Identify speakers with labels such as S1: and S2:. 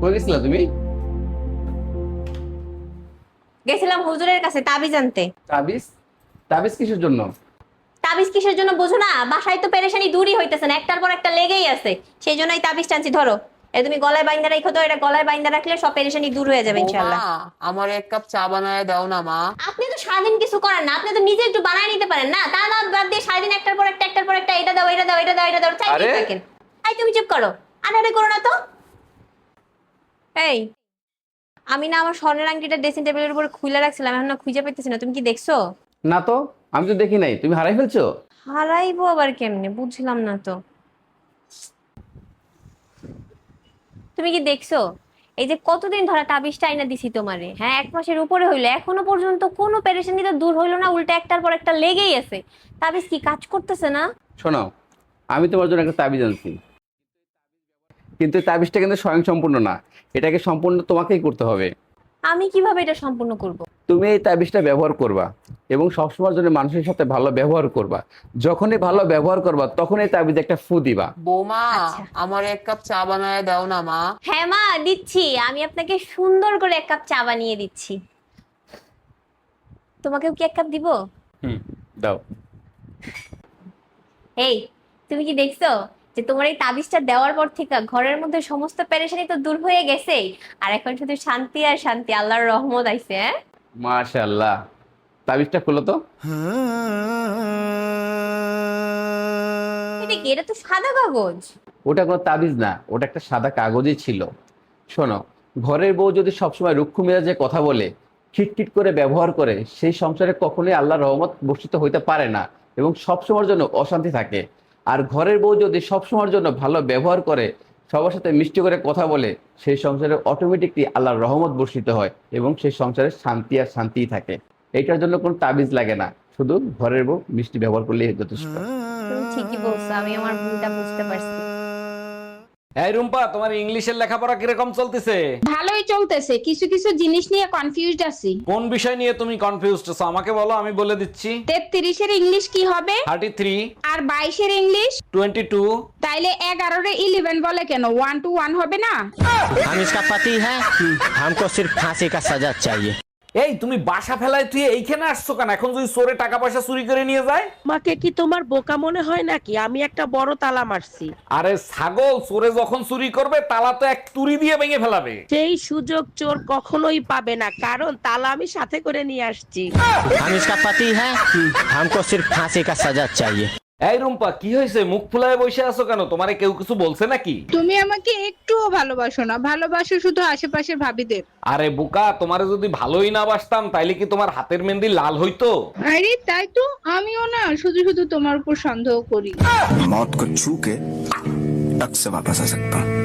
S1: কই গেছিলা তুমি?
S2: গেছিলাম হুজুরের কাছে তাবিজ আনতে।
S1: তাবিজ? তাবিজ কিসের জন্য?
S2: তাবিজ কিসের জন্য বোঝো না? বাসায় তো পেরেশানি দূরই হইতেছে না, একটার পর একটা লেগেই আছে। সেই জন্যই তাবিজ টানছি। ধরো, তুমি গলায় বাইন্ধা রাখো তো, এটা গলায় বাইন্ধা রাখলে সব পেরেশানি দূর হয়ে যাবে ইনশাআল্লাহ।
S3: আমার এক কাপ চা বানায় দাও না মা।
S2: আপনি তো সারাদিন কিছু করেন না, আপনি তো নিজে একটু বানায় নিতে পারেন না? তা না বাদ দিয়ে সারাদিন একটার পর একটা একটার পর একটা এটা দাও এটা দাও এটা দাও এটা দাও চাইতেই থাকেন। এই তুমি চুপ করো, আরে করো না তো। এই, আমি না আমার স্বর্ণের আংটিটা ড্রেসিং টেবিলের উপর খুলে রাখছিলাম, এখন না খুঁজে পাইতেছি না। তুমি কি দেখছো?
S1: না তো, আমি তো দেখি নাই। তুমি হারাই ফেলছো?
S2: হারাইবো আবার কেমনে, বুঝলাম না তো। তুমি কি দেখছো? এই যে কতদিন ধরে তাবিজটা আইনা দিছি তোমারে, হ্যাঁ 1 মাসের উপরে হইলো, এখনো পর্যন্ত কোনো পেরেশানি তো দূর হইলো না, উল্টা একটার পর একটা লেগেই আছে। তাবিজ কি কাজ করতেছে না?
S1: শোনো, আমি তোমার জন্য একটা তাবিজ আনছি, কিন্তু এই তাবিজটা কিন্তু স্বয়ংসম্পূর্ণ না। এটাকে সম্পূর্ণ তোমাকেই করতে হবে।
S2: আমি কিভাবে এটা সম্পূর্ণ করব?
S1: তুমি এই তাবিজটা ব্যবহার করবা এবং সবসময়ের জন্য মানুষের সাথে ভালো ব্যবহার করবা। যখনই ভালো ব্যবহার করবা তখন এই তাবিজে একটা ফু দিবা।
S3: বৌমা,
S2: আচ্ছা।
S3: আমার এক কাপ চা বানায় দাও না মা।
S2: হ্যাঁ মা, দিচ্ছি। আমি আপনাকে সুন্দর করে 1 কাপ চা বানিয়ে দিচ্ছি। তোমাকেও কি 1 কাপ দিব?
S1: দাও।
S2: এই, তুমি কি দেখছো যে তোমার এই তাবিজটা দেওয়ার পর থেকে ঘরের মধ্যে সমস্ত পেরেশানি তো দূর হয়ে গেছে, আর এখন শুধু শান্তি আর শান্তি, আল্লাহর রহমত আইছে। হ্যাঁ,
S1: মাশাআল্লাহ। তাবিজটা খুলো তো।
S2: এটা কি? এটা তো সাদা কাগজ।
S1: ওটা কোনো তাবিজ না, ওটা একটা সাদা কাগজই ছিল। শোনো, ঘরের বউ যদি সবসময় রুক্ষ মেজাজে কথা বলে, খিটখিট করে ব্যবহার করে, সেই সংসারে কখনোই আল্লাহর রহমত বর্ষিত হইতে পারে না এবং সবসময়ের জন্য অশান্তি থাকে। আর ঘরের বউ যদি সবসময়ের জন্য ভালো ব্যবহার করে, সবার সাথে মিষ্টি করে কথা বলে, সেই সংসারে অটোমেটিকলি আল্লাহর রহমত বর্ষিত হয় এবং সেই সংসারে শান্তি আর শান্তিই থাকে। এইটার জন্য কোনো তাবিজ লাগে না, শুধু ঘরের বউ মিষ্টি ব্যবহার করলেই যথেষ্ট।
S2: তুমি ঠিকই বলছো, আমি আমার ভুলটা বুঝতে পারছি।
S4: এই রুম্পা, তোমার ইংলিশের লেখাপড়া কিরকম চলতেছে?
S5: ভালোই চলতেছে, কিছু কিছু জিনিস নিয়ে কনফিউজড আছি।
S4: কোন বিষয় নিয়ে তুমি কনফিউজড আছো আমাকে বলো, আমি বলে দিচ্ছি।
S5: 33-এর ইংলিশ কি হবে?
S4: 33,
S5: আর 22-এর ইংলিশ?
S4: 22।
S5: তাইলে 11-এর 11 বলে কেন? 1 to 1 হবে না?
S6: हम इसका पति है, हमको सिर्फ फांसी का सजा चाहिए।
S4: এই তুমি বাসা ফেলায় তুই এইখানে আসছো কেন? এখন যদি চোরে টাকা পয়সা চুরি করে নিয়ে যায়?
S7: আমাকে কি তোমার বোকা মনে হয় নাকি? আমি একটা বড় তালা মারছি।
S4: আরে ছাগল, চোরে যখন চুরি করবে তালা তো এক তুড়ি দিয়ে ভেঙে ফেলাবে।
S7: সেই সুযোগ চোর কখনোই পাবে না, কারণ তালা আমি সাথে করে নিয়ে আসছি।
S6: हम इसका पति है, हमको सिर्फ फांसी का सजा चाहिए।
S4: এই রুম্পা, কি হয়েছে? মুখ ফুলায় বসে আছো কেন? তোমারে কেউ কিছু বলছে নাকি?
S5: তুমি আমাকে একটুও ভালোবাসো না, ভালোবাসো শুধু আশেপাশের ভাবিদের।
S4: আরে বোকা, তোমারে যদি ভালোই না বাসতাম তাইলে কি তোমার হাতের মেহেন্দি লাল হইতো?
S5: আরে তাই তো, আমিও না শুধু শুধু তোমার উপর সন্দেহ করি।
S8: मौत को छू के टक से वापस आ सकता हूँ।